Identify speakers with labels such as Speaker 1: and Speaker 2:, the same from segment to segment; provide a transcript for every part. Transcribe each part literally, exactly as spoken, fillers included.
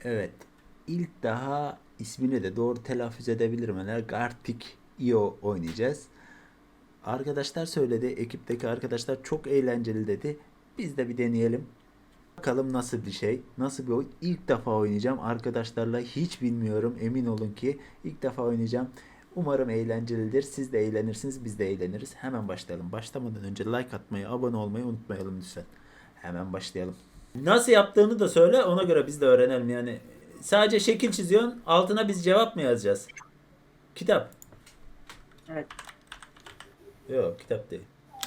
Speaker 1: Evet. İlk daha ismini de doğru telaffuz edebilirim. Yani Gartic Io oynayacağız. Arkadaşlar söyledi. Ekipteki arkadaşlar çok eğlenceli dedi. Biz de bir deneyelim. Bakalım nasıl bir şey. Nasıl bir oyun. İlk defa oynayacağım. Arkadaşlarla hiç bilmiyorum. Emin olun ki ilk defa oynayacağım. Umarım eğlencelidir. Siz de eğlenirsiniz. Biz de eğleniriz. Hemen başlayalım. Başlamadan önce like atmayı, abone olmayı unutmayalım lütfen. Hemen başlayalım. Nasıl yaptığını da söyle. Ona göre biz de öğrenelim. Yani sadece şekil çiziyorsun. Altına biz cevap mı yazacağız? Kitap.
Speaker 2: Evet.
Speaker 1: Yok, kitap değil.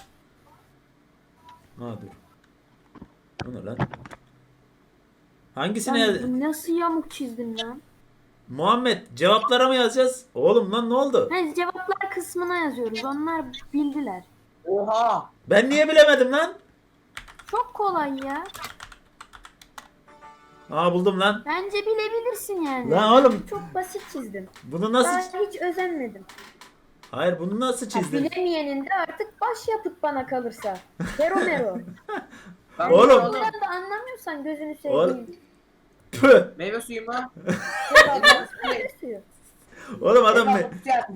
Speaker 1: Ha dur. O ne lan? Hangisine yaz-
Speaker 3: Ben nasıl yamuk çizdim lan?
Speaker 1: Muhammed, cevaplara mı yazacağız? Oğlum lan ne oldu?
Speaker 3: Hani cevaplar kısmına yazıyoruz. Onlar bildiler.
Speaker 2: Oha.
Speaker 1: Ben niye bilemedim lan?
Speaker 3: Çok kolay ya.
Speaker 1: Aa buldum lan.
Speaker 3: Bence bilebilirsin yani.
Speaker 1: Lan oğlum.
Speaker 3: Çok basit çizdim.
Speaker 1: Bunu
Speaker 3: Daha
Speaker 1: nasıl...
Speaker 3: hiç özenmedim.
Speaker 1: Hayır, bunu nasıl
Speaker 3: Ha,
Speaker 1: çizdin?
Speaker 3: bilemeyenin de artık baş yapıt bana kalırsa. Hero mero.
Speaker 2: Ben
Speaker 1: Oğlum.
Speaker 2: oğlum.
Speaker 3: Bundan da anlamıyorsan gözünü
Speaker 1: Oğlum.
Speaker 3: seveyim.
Speaker 1: Püh!
Speaker 2: Meyve suyu mu?
Speaker 3: Cevabımız meyve suyu.
Speaker 1: Oğlum adam ne?
Speaker 2: Eyvallah.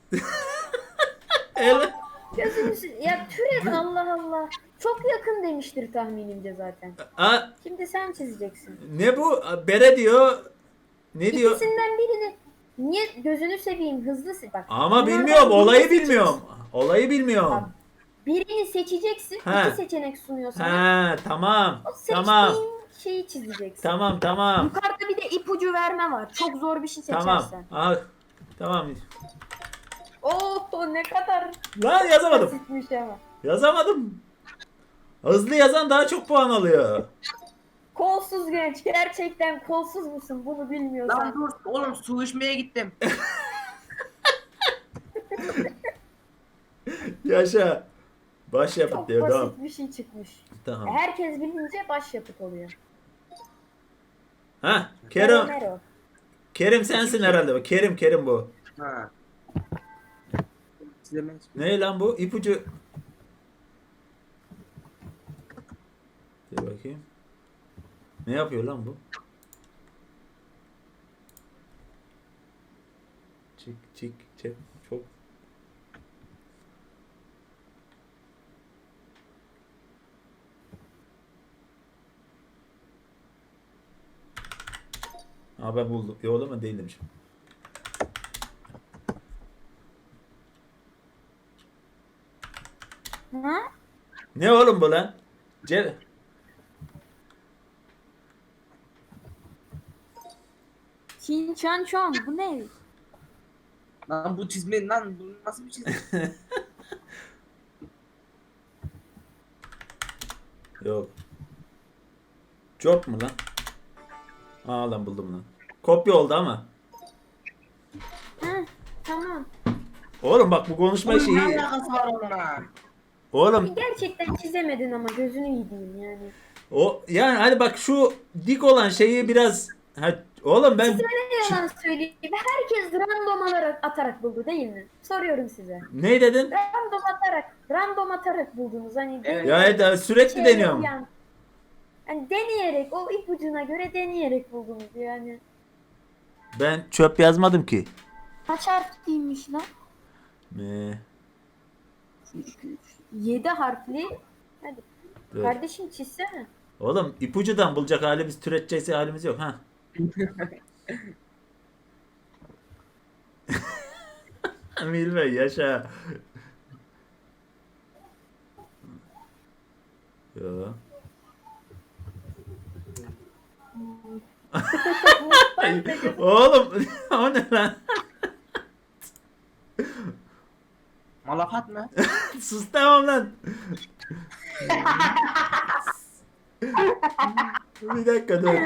Speaker 1: El...
Speaker 3: Gözünü se- Ya türet Allah Allah. Çok yakın demiştir tahminimce zaten.
Speaker 1: Aa,
Speaker 3: Şimdi sen çizeceksin.
Speaker 1: ne bu? Bere diyor. Ne diyor?
Speaker 3: İkisinden birini niye gözünü seveyim hızlı se- bak.
Speaker 1: Ama
Speaker 3: bunlardan
Speaker 1: bilmiyorum.
Speaker 3: birini
Speaker 1: Olayı
Speaker 3: seçeceksin.
Speaker 1: bilmiyorum. Olayı bilmiyorum.
Speaker 3: Bak, birini seçeceksin.
Speaker 1: He.
Speaker 3: İki seçenek sunuyor sana.
Speaker 1: Ha tamam.
Speaker 3: O seçtiğin
Speaker 1: Tamam.
Speaker 3: şeyi çizeceksin.
Speaker 1: Tamam tamam.
Speaker 3: Yukarıda bir de ipucu verme var. Çok zor bir şey
Speaker 1: Tamam.
Speaker 3: seçersen.
Speaker 1: Ah, tamam.
Speaker 3: Oo ne kadar
Speaker 1: Lan yazamadım.
Speaker 3: basitmiş ama.
Speaker 1: Yazamadım. Hızlı yazan daha çok puan alıyor.
Speaker 3: Kolsuz genç. Gerçekten kolsuz musun? Bunu bilmiyorsan.
Speaker 2: Lan dur oğlum su içmeye gittim.
Speaker 1: Yaşa. Baş yapıt
Speaker 3: Çok
Speaker 1: diyor.
Speaker 3: basit
Speaker 1: Tamam.
Speaker 3: bir şey çıkmış.
Speaker 1: Tamam.
Speaker 3: Herkes bilince başyapıt oluyor.
Speaker 1: Ha,
Speaker 3: Mero
Speaker 1: Kerim.
Speaker 3: mero.
Speaker 1: Kerim sensin herhalde. Kerim Kerim bu.
Speaker 2: Ha. Çizemeyiz.
Speaker 1: Ne lan bu? İpucu. Dur bakayım. Ne yapıyor lan bu? Çık çık çık çok. Aa ben buldum. Yok oğlum ben değil demişim.
Speaker 3: Ha?
Speaker 1: Ne oğlum bu lan? Ce
Speaker 3: Çin çan çon. Bu ne?
Speaker 2: Lan bu çizme lan bu nasıl bir çizme?
Speaker 1: Yok. Job mu lan? Aa lan buldum lan. Kopya oldu ama.
Speaker 3: Ha, tamam.
Speaker 1: Oğlum bak bu konuşma
Speaker 2: Bunun ne
Speaker 1: şeyi.
Speaker 2: alakası var onunla?
Speaker 1: Oğlum
Speaker 3: Gerçekten çizemedin ama gözünü yediğim yani.
Speaker 1: o yani hadi bak şu dik olan şeyi biraz ha, oğlum ben
Speaker 3: Size ne yalan söyleyeyim. Herkes random alarak atarak buldu değil mi? Soruyorum size.
Speaker 1: ne dedin?
Speaker 3: Random atarak, random atarak buldunuz. Hani
Speaker 2: Evet.
Speaker 1: Ya evet, sürekli
Speaker 3: şeye
Speaker 1: deniyorum.
Speaker 3: uyan- Hani deneyerek, o ipucuna göre deneyerek buldunuz yani.
Speaker 1: Ben çöp yazmadım ki.
Speaker 3: Kaç harfliymiş lan?
Speaker 1: Ne?
Speaker 3: Yedi harfli. Hadi.
Speaker 1: Dur.
Speaker 3: Kardeşim çizsene.
Speaker 1: Oğlum ipucudan bulacak halimiz, türeteceğiz halimiz yok ha. Bilme yaşa. Yo. Oğlum o ne lan?
Speaker 2: Malafat mı?
Speaker 1: Sus tamam lan. Bir dakika dur.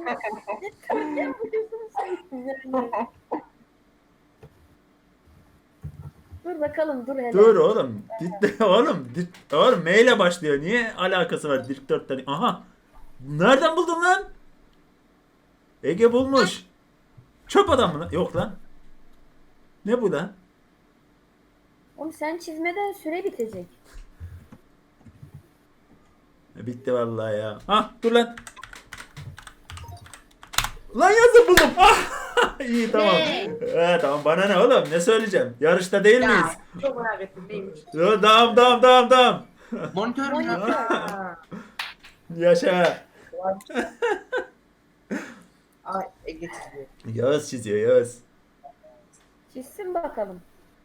Speaker 3: Dur bakalım dur hele.
Speaker 1: Dur oğlum. Dit, oğlum, dit, oğlum M ile başlıyor. Niye alakası var dört tane? Aha. Nereden buldun lan? Ege bulmuş. Çöp adam mı lan? Yok lan. Ne bu lan?
Speaker 3: Oğlum sen çizmeden süre bitecek.
Speaker 1: Bitti vallahi ya. Ha dur lan. Lan yazı buldum. Ah! İyi tamam.
Speaker 2: Ne?
Speaker 1: Ee, tamam bana ne oğlum ne söyleyeceğim? Yarışta değil
Speaker 2: Ya
Speaker 1: miyiz?
Speaker 2: çok merak ettim neymiş?
Speaker 1: Yo, tamam tamam tamam tamam.
Speaker 2: Monitör mü?
Speaker 3: Monitör.
Speaker 2: Ha.
Speaker 1: Yaşa.
Speaker 2: Ay Ege çiziyor.
Speaker 1: Yağız çiziyor Yağız.
Speaker 3: Çizsin bakalım.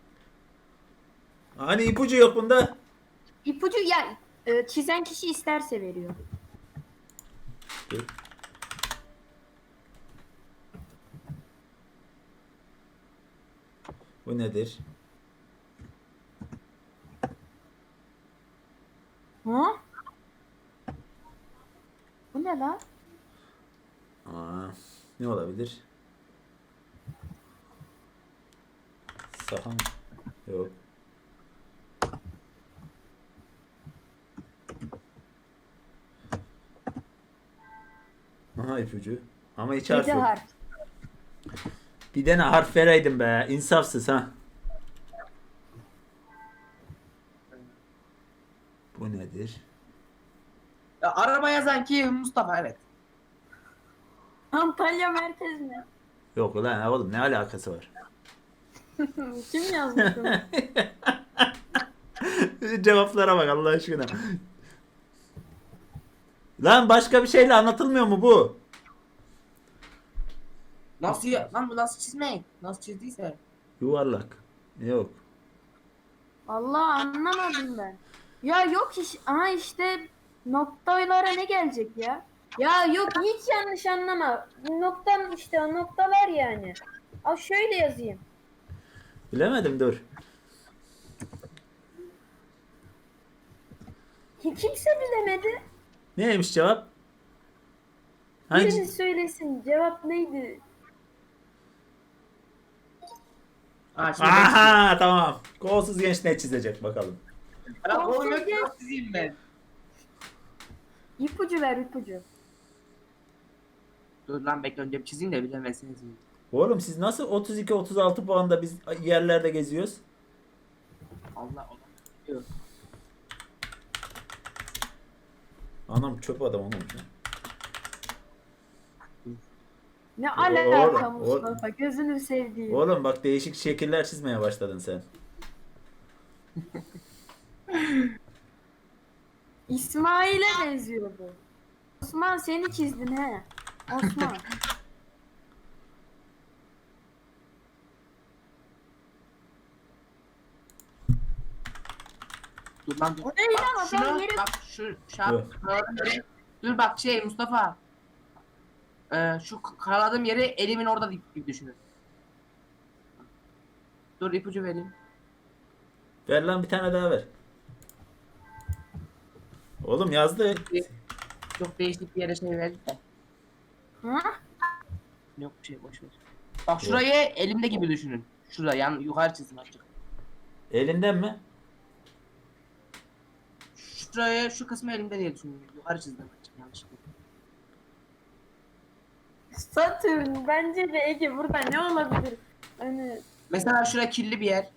Speaker 1: Hani ipucu yok bunda?
Speaker 3: İpucu ya e, çizen kişi isterse veriyor.
Speaker 1: Dur. Bu nedir?
Speaker 3: Ha? Bu ne lan?
Speaker 1: Aa, ne olabilir? Sahan. Yok. Aha ipucu. Ama hiç harf
Speaker 3: Yedi
Speaker 1: yok.
Speaker 3: harf.
Speaker 1: Bir tane harf vereydin be. İnsafsız ha. Bu nedir?
Speaker 2: Ya, araba yazan ki Mustafa evet.
Speaker 3: Antalya merkez mi?
Speaker 1: Yok ulan oğlum ne alakası var?
Speaker 3: Kim yazmış bunu?
Speaker 1: Cevaplara bak Allah aşkına. Lan başka bir şeyle anlatılmıyor mu bu?
Speaker 2: Nasıl ya? Lan bu nasıl çizmek? Nasıl çizdiyse.
Speaker 1: Yuvarlak. Yok.
Speaker 3: Allah anlamadım ben. Ya yok iş. Aha işte noktalara ne gelecek ya? Ya yok hiç yanlış anlama. Noktam işte o noktalar yani. Al şöyle yazayım.
Speaker 1: Bilemedim dur.
Speaker 3: Ki kimse bilemedi.
Speaker 1: Neymiş cevap? Hangi?
Speaker 3: Biriniz söylesin. Cevap neydi?
Speaker 2: Ha şimdi ben
Speaker 1: Aha tamam. Kolsuz genç ne çizecek bakalım.
Speaker 2: çizeyim. Lan oğlum yok ki nasıl çizeyim ben?
Speaker 3: İpucu ver ipucu.
Speaker 2: Dur lan bekle önce bir çizeyim de bilemezsiniz.
Speaker 1: Oğlum siz nasıl otuz iki otuz altı puanda biz yerlerde geziyoruz?
Speaker 2: Allah Allah. Diyor.
Speaker 1: Anam çöp adam olmuş ya.
Speaker 3: Ne
Speaker 1: Oğlum,
Speaker 3: alaka
Speaker 1: oğlum.
Speaker 3: Mustafa? Gözünü sevdiğim.
Speaker 1: Oğlum bak değişik şekiller çizmeye başladın sen.
Speaker 3: İsmail'e benziyor bu. Osman seni çizdin he. Osman.
Speaker 2: Dur lan dur.
Speaker 3: O değil
Speaker 2: Bak
Speaker 3: ama
Speaker 2: şunu,
Speaker 3: ben yeri-
Speaker 2: bak şu
Speaker 1: Dur.
Speaker 2: şap, dur bak şey Mustafa. Ee, şu k- karaladığım yeri elimin orada gibi düşünün. Dur ipucu vereyim.
Speaker 1: Ver lan bir tane daha ver. Oğlum yazdı.
Speaker 2: Çok değişik bir yere şey verdik de.
Speaker 3: Ha?
Speaker 2: Yok bir şey boş ver. Bak şurayı elimde gibi düşünün. Şurada yan yukarı çizim açık.
Speaker 1: Elinden mi?
Speaker 2: Şurayı şu kısmı elimde diye düşünün. Yukarı çizdim açık yanlışlıkla.
Speaker 3: Satürn bence de Ege burada ne olabilir? Hani
Speaker 2: Mesela şuraya kirli bir yer.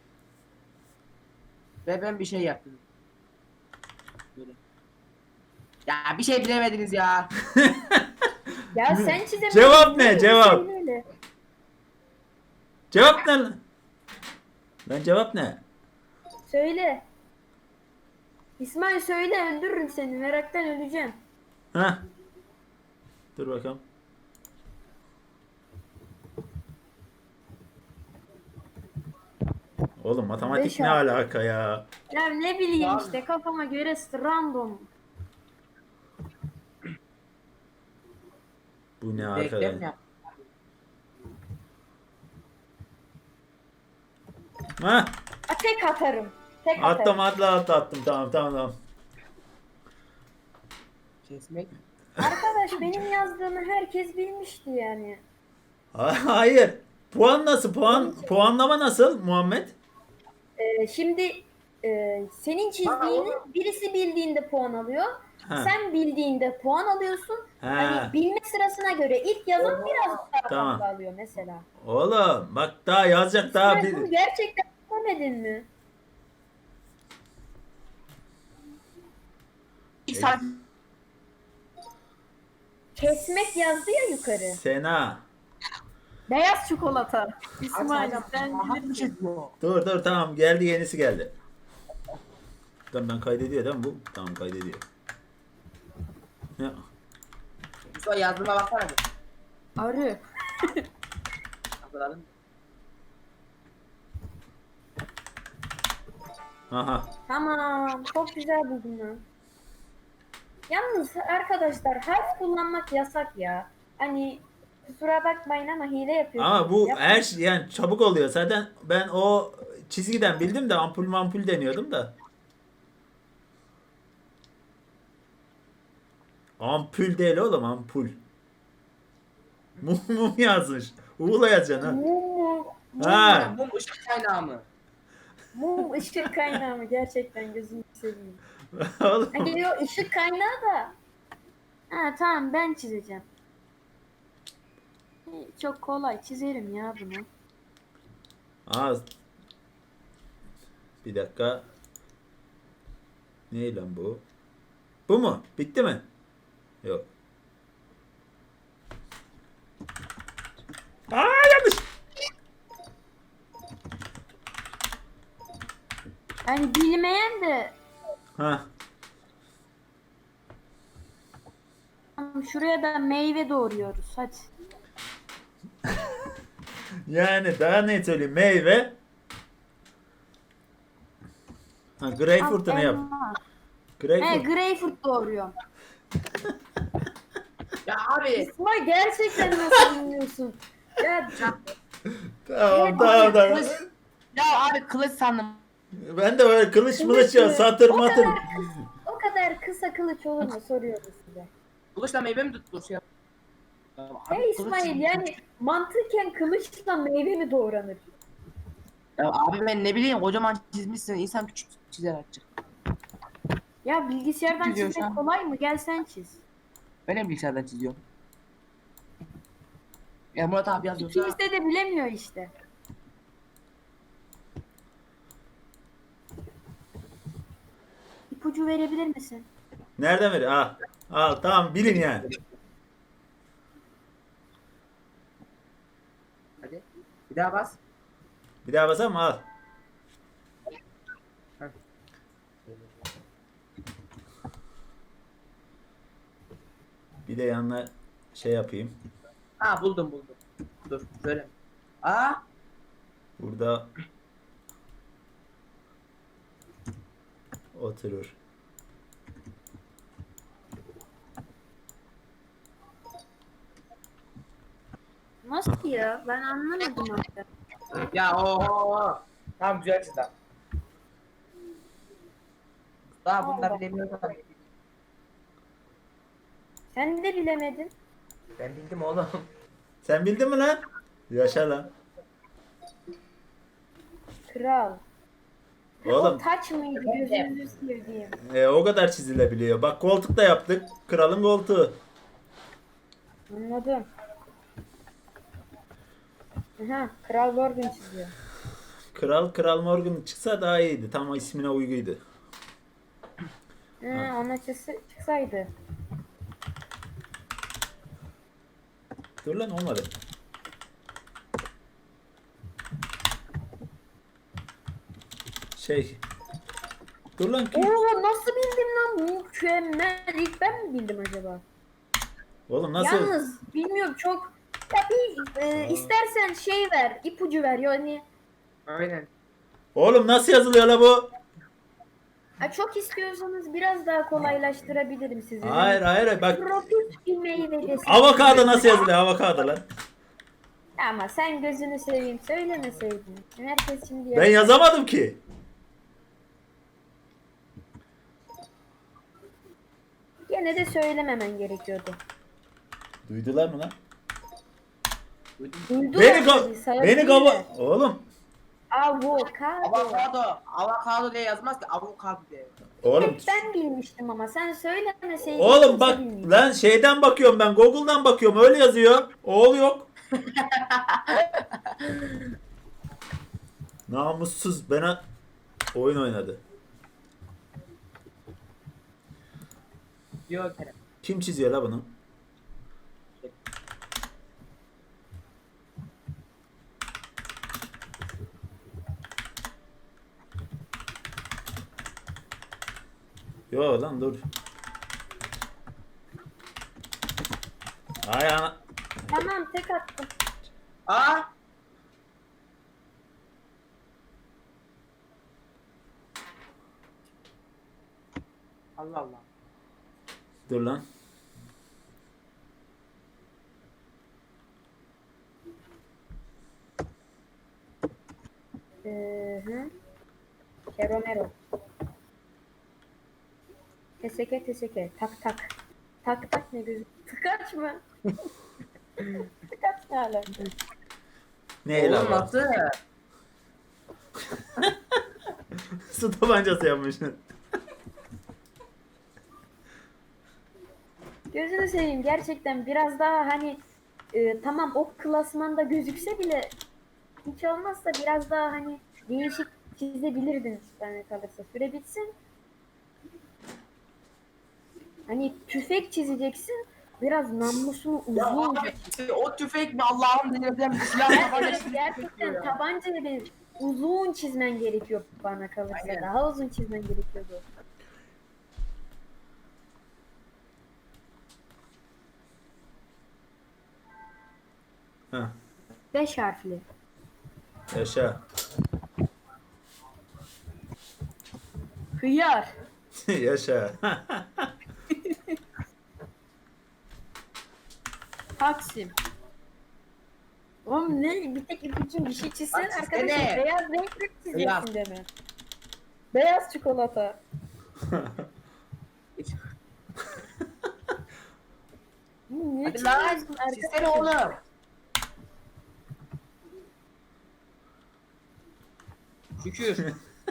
Speaker 2: Ve ben bir şey yaptım. Böyle. Ya bir şey bilemediniz ya.
Speaker 3: ya sen çizemedin.
Speaker 1: Cevap ne?
Speaker 3: değil mi?
Speaker 1: Cevap.
Speaker 3: Söyle hele.
Speaker 1: Cevap ne lan? Lan cevap ne?
Speaker 3: Söyle. İsmail söyle öldürürüm seni meraktan öleceğim.
Speaker 1: Ha? Dur bakalım. Oğlum matematik
Speaker 3: Beş
Speaker 1: ne
Speaker 3: altı.
Speaker 1: alaka ya?
Speaker 3: Ya ne bileyim
Speaker 2: Abi.
Speaker 3: işte kafama göre random.
Speaker 1: Bu ne
Speaker 2: Bekle
Speaker 1: arkadaş?
Speaker 2: ya.
Speaker 1: Ha?
Speaker 3: A, tek atarım. Tek
Speaker 1: Attım
Speaker 3: atarım.
Speaker 1: atla atla attım tamam tamam tamam.
Speaker 2: Kesmek.
Speaker 3: Arkadaş benim yazdığımı herkes bilmişti yani.
Speaker 1: Ha- Hayır. Puan nasıl? Puan puanlama nasıl Muhammed?
Speaker 3: Ee, şimdi e, senin çizdiğini birisi bildiğinde puan alıyor.
Speaker 1: Ha.
Speaker 3: Sen bildiğinde puan alıyorsun.
Speaker 1: Ha.
Speaker 3: Hani bilme sırasına göre ilk yazan biraz daha
Speaker 1: Tamam.
Speaker 3: fazla alıyor mesela.
Speaker 1: Oğlum bak daha yazacak daha
Speaker 3: Sen bunu
Speaker 1: bir.
Speaker 3: gerçekten demedin mi?
Speaker 2: İlk saat
Speaker 3: kesmek yazdı ya yukarı.
Speaker 1: Sena.
Speaker 3: Beyaz çikolata. İsmail
Speaker 2: Açacağım.
Speaker 3: sen
Speaker 2: Aha, bir
Speaker 3: bilirsin.
Speaker 2: şey diyor.
Speaker 1: Dur dur tamam geldi yenisi geldi. Tamam ben kaydediyor değil mi bu? Tamam kaydediyor. Ya.
Speaker 2: Mustafa yazdığıma baksana bir.
Speaker 3: Arı.
Speaker 2: Hatırladın mı?
Speaker 1: Aha.
Speaker 3: Tamam. Çok güzel buldum lan. Yalnız arkadaşlar harf kullanmak yasak ya. Hani kusura bakmayın ama hile yapıyorsunuz.
Speaker 1: Ama bu
Speaker 3: Yap-
Speaker 1: her şey yani çabuk oluyor. Zaten ben o çizgiden bildim de ampul mampul deniyordum da. Ampul değil oğlum ampul. Mum mum yazmış. Uğur'la yazacaksın ha.
Speaker 3: Mum mu?
Speaker 1: Ha.
Speaker 2: Mum ışık kaynağı mı?
Speaker 3: Mum ışık kaynağı mı? Gerçekten gözünü seveyim.
Speaker 1: Oğlum.
Speaker 3: Hani o ışık kaynağı da. Ha tamam ben çizeceğim. E, Çok kolay çizerim ya bunu.
Speaker 1: Aa. Bir dakika. Ne lan bu? Bu mu? Bitti mi? Yok. Aa yanlış.
Speaker 3: Yani bilmeyen de
Speaker 1: Ha.
Speaker 3: tamam, şuraya da meyve doğruyoruz hadi.
Speaker 1: Yani daha ne söyleyeyim? Meyve. Ha, greyfurt'unu
Speaker 3: Al,
Speaker 1: yap.
Speaker 3: elma. He
Speaker 1: Greyfurt.
Speaker 3: greyfurt doğuruyorum.
Speaker 2: Ya abi.
Speaker 3: İsmail gerçekten nasıl bilmiyorsun? Ya
Speaker 1: Tamam tamam tamam.
Speaker 2: Kılıç. Ya abi kılıç sandım.
Speaker 1: Ben de öyle kılıç mılıç ya
Speaker 3: Kılıç mı?
Speaker 1: satır
Speaker 3: O
Speaker 1: matır.
Speaker 3: kadar o kadar kısa kılıç olur mu soruyorum size.
Speaker 2: Kılıçla meyve mi tutulur şey yap? Ya abi,
Speaker 3: Hey
Speaker 2: kılıç
Speaker 3: İsmail
Speaker 2: çizmiş.
Speaker 3: yani mantıken kılıçla meyve mi doğranır?
Speaker 2: Ya abi ben ne bileyim kocaman çizmişsin insan küçük çizer açık.
Speaker 3: Ya bilgisayardan
Speaker 2: Çiziyor şu
Speaker 3: çizmek
Speaker 2: an.
Speaker 3: kolay mı? Gel sen çiz.
Speaker 2: Ben de bilgisayardan çiziyorum. Ya Murat abi yazıyorsa.
Speaker 3: İkimiz de bilemiyor işte. İpucu verebilir misin?
Speaker 1: Nereden veriyor? Al. Al tamam bilin yani.
Speaker 2: Hadi. Bir daha bas.
Speaker 1: Bir daha basar mı? Al.
Speaker 2: Heh.
Speaker 1: Bir de yanına şey yapayım.
Speaker 2: Ha buldum buldum. Dur şöyle. Aa.
Speaker 1: Burada oturur.
Speaker 3: Nasıl ya? Ben anlamadım hatta.
Speaker 2: Ya o. Tamam güzel çizdi. Daha bunu da bilemiyorum.
Speaker 3: Sen de bilemedin.
Speaker 2: Ben bildim oğlum.
Speaker 1: Sen bildin mi lan? Yaşa lan.
Speaker 3: Kral.
Speaker 1: Oğlum
Speaker 3: O taç mıydı gözünüzü sevdiğim?
Speaker 1: e, o kadar çizilebiliyor. Bak koltuk da yaptık. Kralın koltuğu.
Speaker 3: Anladım. Aha, Kral Morgan çiziyor.
Speaker 1: Kral Kral Morgan çıksa daha iyiydi. Tam o ismine uyguydu.
Speaker 3: Ha, ona çıksa, çıksaydı.
Speaker 1: Dur lan olmadı. Şey. Dur lan ki.
Speaker 3: Oo nasıl bildim lan? Mükemmel. İlk ben mi bildim acaba?
Speaker 1: Oğlum nasıl?
Speaker 3: Yalnız bilmiyorum çok. Ya bir e, istersen şey ver, ipucu ver yani.
Speaker 2: Aynen.
Speaker 1: Oğlum nasıl yazılıyor la bu?
Speaker 3: Ha, çok istiyorsanız biraz daha kolaylaştırabilirim sizi.
Speaker 1: Hayır hayır bak.
Speaker 3: Tropik bir meyve desin.
Speaker 1: Avokado nasıl yazılıyor? Avokado lan.
Speaker 3: Ama sen gözünü seveyim söylemeseydin. Herkes şimdi
Speaker 1: Ben yazamadım ki.
Speaker 3: Gene de söylememen gerekiyordu.
Speaker 1: Duydular mı lan?
Speaker 3: Duydular
Speaker 1: Beni
Speaker 3: tabii,
Speaker 1: ko
Speaker 3: sayabilirler.
Speaker 1: beni kova oğlum.
Speaker 3: Avokado.
Speaker 2: Avokado. Avokado diye yazmaz ki avokado diye.
Speaker 1: Oğlum
Speaker 3: Hep ben bilmiştim ama sen söylemeseydin.
Speaker 1: oğlum
Speaker 3: kimse
Speaker 1: bak
Speaker 3: bilmeyecek.
Speaker 1: lan şeyden bakıyorum ben Google'dan bakıyorum öyle yazıyor. Oğul yok. Namussuz bana oyun oynadı.
Speaker 2: Diyor Kerem.
Speaker 1: Kim çiziyor la bunu? Yo lan dur. Ay ana.
Speaker 3: Tamam tek attım.
Speaker 2: Aa. Allah Allah.
Speaker 1: Dur lan.
Speaker 3: Ee, hı. Keromero. Teseke teseke. Tak tak. Tak tak ne gözü? Tıkaç mı? Tıkaç ne alaka?
Speaker 1: Ne
Speaker 2: Oğlum
Speaker 1: lan?
Speaker 2: nasıl?
Speaker 1: Su tabancası yapmışsın.
Speaker 3: Gözünü seveyim gerçekten biraz daha hani e, tamam o klasmanda gözükse bile hiç olmazsa biraz daha hani değişik çizebilirdin bana kalırsa. Süre bitsin. Hani tüfek çizeceksin. Biraz namlusunu
Speaker 2: Ya
Speaker 3: uzun.
Speaker 2: abi o tüfek mi Allah'ım delirden bir silah
Speaker 3: Gerçekten,
Speaker 2: tabancası
Speaker 3: gerçekten tabancayı bir uzun çizmen gerekiyor bana kalırsa.
Speaker 2: Aynen.
Speaker 3: Daha uzun çizmen gerekiyordu.
Speaker 1: Heh.
Speaker 3: Beş harfli.
Speaker 1: Yaşa.
Speaker 3: Hıyar.
Speaker 1: Yaşa.
Speaker 3: Taksim. Oğlum ne? Bir tek ipucu bir şey çizsen
Speaker 2: Bak,
Speaker 3: arkadaşım
Speaker 2: çizsene.
Speaker 3: beyaz renkli
Speaker 2: Beyaz.
Speaker 3: çizeceksin deme. Beyaz çikolata. Bu niye
Speaker 2: Hadi lan
Speaker 3: çiziyorsun
Speaker 2: çizsene
Speaker 3: arkadaşım?
Speaker 2: oğlum. Şükür.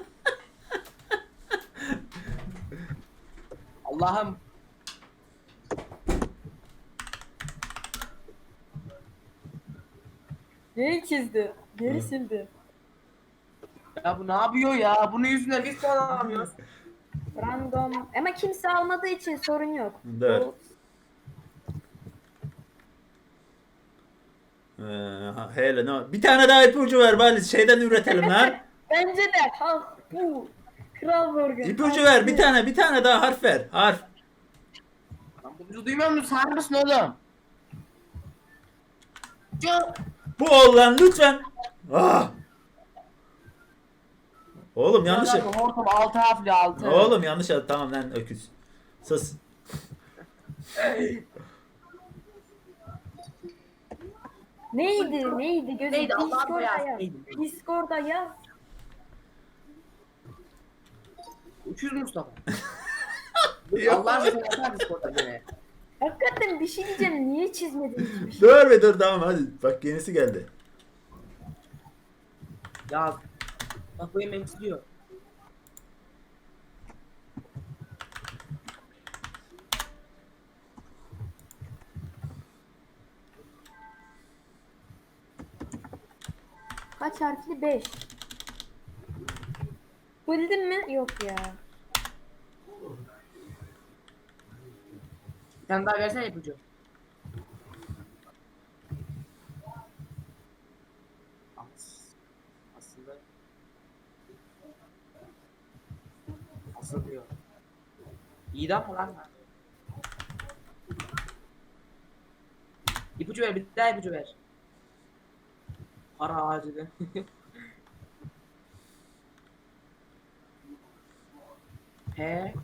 Speaker 2: Allah'ım.
Speaker 3: Neyi çizdi? Geri sildi.
Speaker 2: Ya bu ne yapıyor ya? Bunun yüzünden biz kazanamıyoruz.
Speaker 3: Random. Ama kimse almadığı için sorun yok.
Speaker 1: Dur.
Speaker 3: Bu-
Speaker 1: Ee, ha, hele ne? Bir tane daha ipucu ver bari şeyden üretelim lan.
Speaker 3: Bence de ha bu. Kral Morgan.
Speaker 1: İpucu ver bir tane bir tane daha harf ver. Harf.
Speaker 2: Lan bu bizi duymuyor musun? Sağır mısın oğlum? Çok.
Speaker 1: Bu ol lan lütfen. Ah. Oğlum yanlış.
Speaker 2: Hortum altı harfli altı.
Speaker 1: Oğlum yanlış yaptı. Tamam lan öküz. Sus.
Speaker 3: Neydi? Neydi? Gözü
Speaker 2: Neydi? Allah'ım
Speaker 3: Discord'da
Speaker 2: beyaz.
Speaker 3: yaz.
Speaker 2: Neydi?
Speaker 3: Discord'da yaz.
Speaker 2: Uçuz Mustafa. Allah aşkına yapar mısın orada beni?
Speaker 3: Hakikaten bir şey diyeceğim. Niye çizmedin hiçbir şey?
Speaker 1: Dur be dur tamam hadi. Bak yenisi geldi.
Speaker 2: Ya bak bu yemeği çiziyor.
Speaker 3: Kaç harfli? beş. Bildin mi? Yok ya.
Speaker 2: Bir tane daha versene ipucu. As- Aslında Asıl diyor. İdam mı lan? İpucu ver, bir daha ipucu ver. Para ağacı de. He.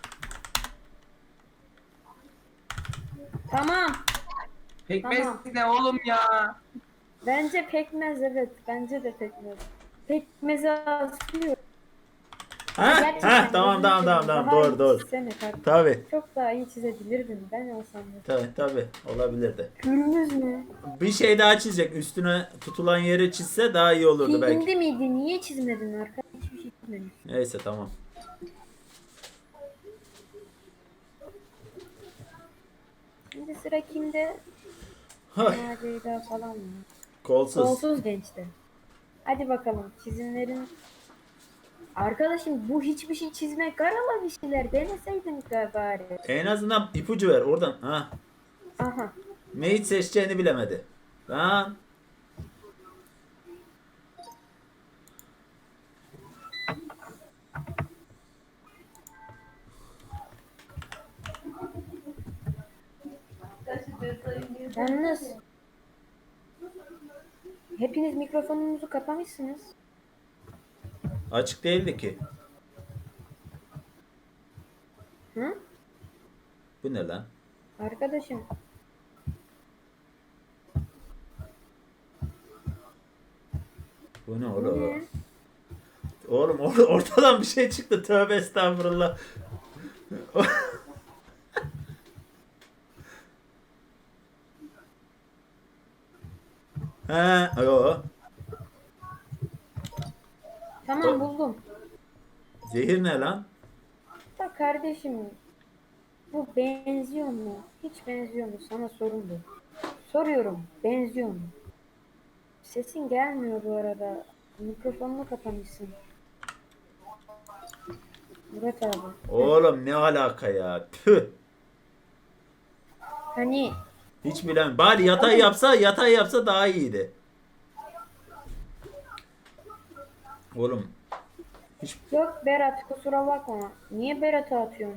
Speaker 3: Tamam.
Speaker 2: Pekmez
Speaker 3: Tamam.
Speaker 2: ne oğlum ya?
Speaker 3: Bence pekmez evet. Bence de pekmez. Pekmezi asıyor.
Speaker 1: Ha?
Speaker 3: Gerçekten
Speaker 1: Ha tamam
Speaker 3: gözünü
Speaker 1: tamam
Speaker 3: seveyim,
Speaker 1: tamam tamam
Speaker 3: daha
Speaker 1: doğru
Speaker 3: iyi
Speaker 1: doğru.
Speaker 3: çizsene kardeşim.
Speaker 1: Tabi
Speaker 3: Çok daha iyi çizebilirdin ben olsam da.
Speaker 1: tabi tabi olabilirdi.
Speaker 3: Gülmüz mü?
Speaker 1: Bir şey daha çizecek üstüne tutulan yeri çizse daha iyi olurdu belki.
Speaker 3: Hindi miydi? Niye çizmedin arkadaş? Hiçbir şey çizmedin.
Speaker 1: Neyse tamam.
Speaker 3: Şimdi sıra kimde?
Speaker 1: Hay,
Speaker 3: Macera falan mı?
Speaker 1: kolsuz.
Speaker 3: Kolsuz gençte. Hadi bakalım çizimlerin. Arkadaşım bu hiçbir şey çizmek karala bir şeyler deneseydin bari.
Speaker 1: En azından ipucu ver oradan. Ha.
Speaker 3: Aha.
Speaker 1: Neyi seçeceğini bilemedi. Lan.
Speaker 3: Yalnız hepiniz mikrofonunuzu kapamışsınız.
Speaker 1: Açık değildi ki.
Speaker 3: Hı?
Speaker 1: Bu ne lan?
Speaker 3: Arkadaşım.
Speaker 1: Bu ne
Speaker 3: Bu
Speaker 1: oğlum?
Speaker 3: ne?
Speaker 1: Oğlum or- ortadan bir şey çıktı. Tövbe estağfurullah. He, yo.
Speaker 3: Tamam buldum.
Speaker 1: Zehir ne lan?
Speaker 3: Bak kardeşim. Bu benziyor mu? Hiç benziyor mu? Sana sorun bu. Soruyorum. Benziyor mu? Sesin gelmiyor bu arada. Mikrofonunu kapamışsın. Murat abi.
Speaker 1: Oğlum ne alaka ya? Tüh.
Speaker 3: Hani
Speaker 1: Hiç bilen. Bari yatay yapsa, yatay yapsa daha iyiydi. Oğlum hiç
Speaker 3: yok Berat kusura bakma. Niye Berat'a atıyorsun?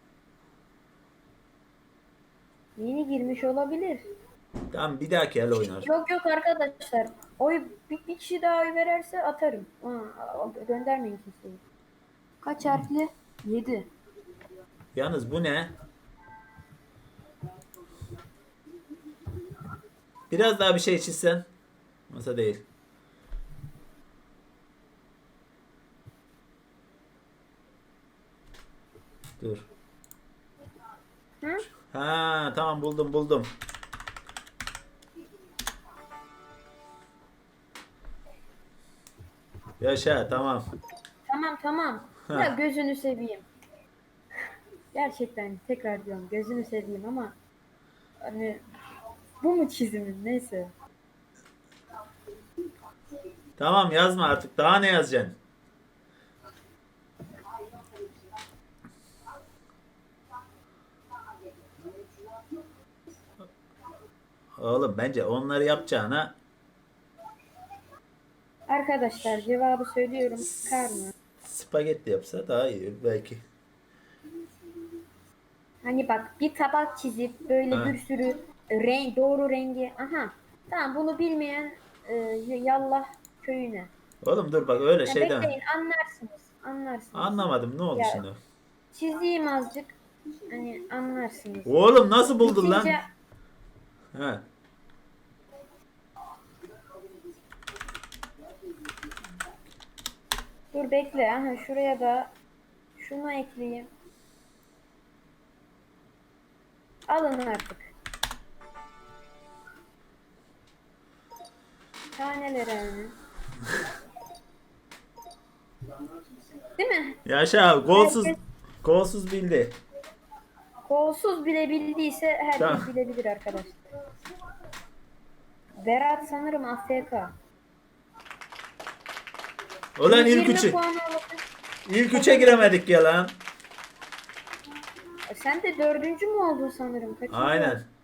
Speaker 3: Yeni girmiş olabilir.
Speaker 1: tamam bir dahaki el oynar.
Speaker 3: Yok yok arkadaşlar. Oy bir, bir kişi daha oy vererse atarım. Aa, göndermeyin kimseyi. Kaç harfli? yedi.
Speaker 1: Yalnız bu ne? Biraz daha bir şey çizsen. Masa değil. Dur.
Speaker 3: Hı?
Speaker 1: Ha tamam buldum buldum. Yaşa tamam.
Speaker 3: Tamam tamam.
Speaker 1: Ha.
Speaker 3: Ya gözünü seveyim. Gerçekten tekrar diyorum gözünü seveyim ama hani bu mu çizimin neyse.
Speaker 1: Tamam yazma artık. Daha ne yazacaksın? Oğlum bence onları yapacağına
Speaker 3: Arkadaşlar cevabı söylüyorum. Karnı.
Speaker 1: spagetti yapsa daha iyi belki.
Speaker 3: Hani bak bir tabak çizip böyle
Speaker 1: Ha.
Speaker 3: bir sürü renk doğru rengi. Aha. Tamam bunu bilmeyen e, yallah köyüne.
Speaker 1: Oğlum dur bak öyle
Speaker 3: Ya
Speaker 1: şey deme.
Speaker 3: bekleyin anlarsınız. Anlarsınız.
Speaker 1: Anlamadım ne oldu
Speaker 3: Ya,
Speaker 1: şimdi?
Speaker 3: çizeyim azıcık. Hani anlarsınız.
Speaker 1: Oğlum nasıl buldun lan?
Speaker 3: Bitince-
Speaker 1: He.
Speaker 3: Dur bekle. Aha şuraya da şunu ekleyeyim. Alın artık. Taneleri hani. Değil mi?
Speaker 1: Yaşa golsuz
Speaker 3: Herkes-
Speaker 1: golsuz bildi.
Speaker 3: Kolsuz bile bildiyse herkes
Speaker 1: Tamam.
Speaker 3: bilebilir arkadaşlar. Berat sanırım A F K.
Speaker 1: Ulan ilk
Speaker 3: yirmi
Speaker 1: üçü.
Speaker 3: puan alabilir.
Speaker 1: İlk üçe giremedik ya lan.
Speaker 3: Sen de dördüncü mü oldun sanırım? Kaçıncı
Speaker 1: Aynen.
Speaker 3: oldun?